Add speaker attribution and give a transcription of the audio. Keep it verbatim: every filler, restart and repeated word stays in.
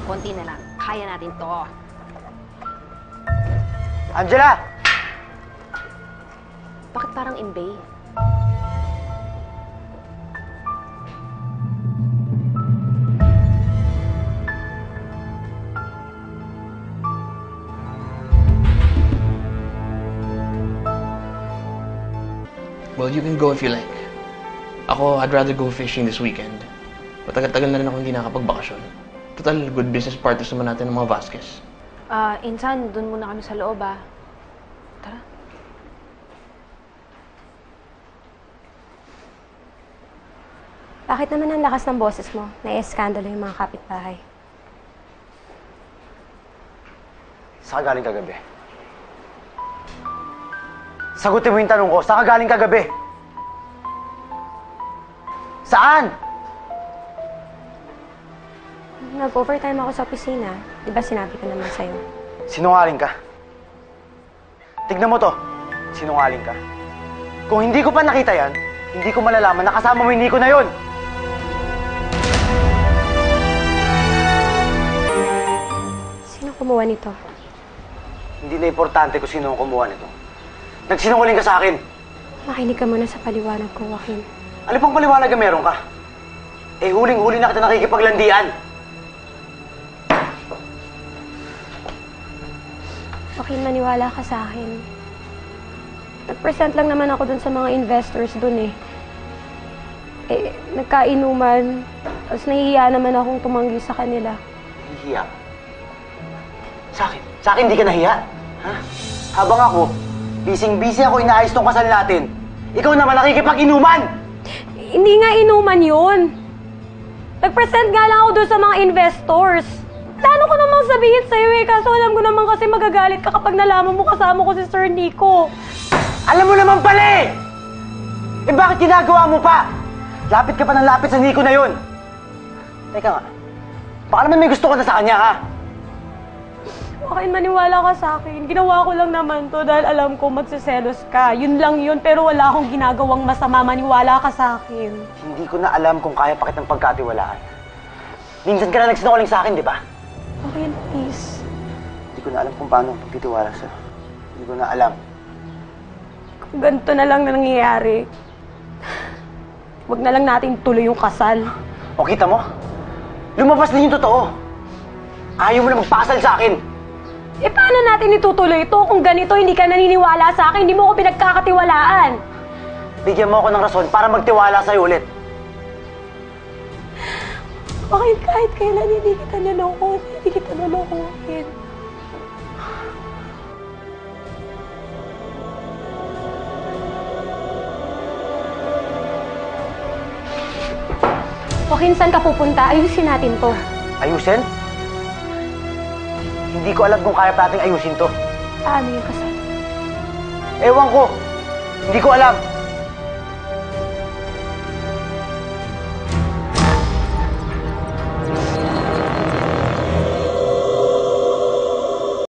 Speaker 1: Konti na lang. Kaya natin to.
Speaker 2: Angela!
Speaker 1: Bakit parang imbay?
Speaker 3: Well, you can go if you like. Ako, I'd rather go fishing this weekend. Matagal-tagal na rin ako hindi nakapagbakasyon. Total, good business partners naman natin ng mga Vasquez.
Speaker 1: Ah, uh, Insan, dun muna kami sa loob, ah. Tara.
Speaker 4: Bakit naman ang lakas ng boses mo? Nai-eskandalo yung mga kapitbahay.
Speaker 2: Saan ka galing kagabi? Sagutin mo yung tanong ko, saan ka galing kagabi? Saan?
Speaker 4: Nag-overtime ako sa opisina. Di ba sinabi ko naman sa'yo?
Speaker 2: Sinungaling ka. Tignan mo to. Sinungaling ka. Kung hindi ko pa nakita yan, hindi ko malalaman na kasama mo yung Nico na yun.
Speaker 4: Sino kumuha nito?
Speaker 2: Hindi na importante kung sino ang kumuha nito. Nagsinungaling ka sa akin.
Speaker 4: Makinig ka muna sa paliwanag ko, Joaquin.
Speaker 2: Ano pang paliwanag na meron ka? Eh, huling-huli na kita nakikipaglandian.
Speaker 4: Joaquin, maniwala ka sa akin. Nag-present lang naman ako dun sa mga investors dun eh. Eh, nagkainuman. Tapos nahihiya naman akong tumanggi sa kanila.
Speaker 2: Nahihiya? Sa akin? Sa akin hindi ka nahiya? Ha? Habang ako, busy-busy ako inaayos tong kasal natin. Ikaw naman nakikipag-inuman!
Speaker 4: Hindi nga inuman yun. Nag-present nga lang ako dun sa mga investors. Plano ko namang sabihin sa'yo eh, kaso alam ko naman kasi magagalit ka kapag nalaman mo kasama ko si Sir Nico.
Speaker 2: Alam mo naman pala eh! Eh bakit ginagawa mo pa? Lapit ka pa ng lapit sa Nico na yun. Teka nga, baka naman may gusto ka na sa kanya, ha?
Speaker 4: Joaquin, maniwala ka sa akin. Ginawa ko lang naman to dahil alam ko magsiselos ka. Yun lang yun, pero wala akong ginagawang masama. Maniwala ka sa akin. Hindi
Speaker 2: ko na alam kung kaya pa kitang pagkatiwalaan. Minsan ka na nagsinungaling sa akin, di ba?
Speaker 4: Joaquin, please.
Speaker 2: Hindi ko na alam kung paano pagtitiwala sa'yo. Hindi ko na alam.
Speaker 4: Kung ganito na lang na nangyayari, wag na lang natin tuloy yung kasal.
Speaker 2: O kita mo? Lumabas din yung totoo. Ayaw mo na magpakasal sa akin.
Speaker 4: Eh, paano natin itutuloy ito kung ganito hindi ka naniniwala sa akin, hindi mo ko pinagkakatiwalaan?
Speaker 2: Bigyan mo ako ng rason para magtiwala sa'yo ulit.
Speaker 4: Okay, kahit kailan hindi kita naloko, hindi kita nalokohin. Joaquin, saan ka pupunta? Ayusin natin to.
Speaker 2: Ayusin? Hindi ko alam kung kaya pa nating ayusin to.
Speaker 4: Paano yung kasal?
Speaker 2: Ewan ko. Hindi ko alam.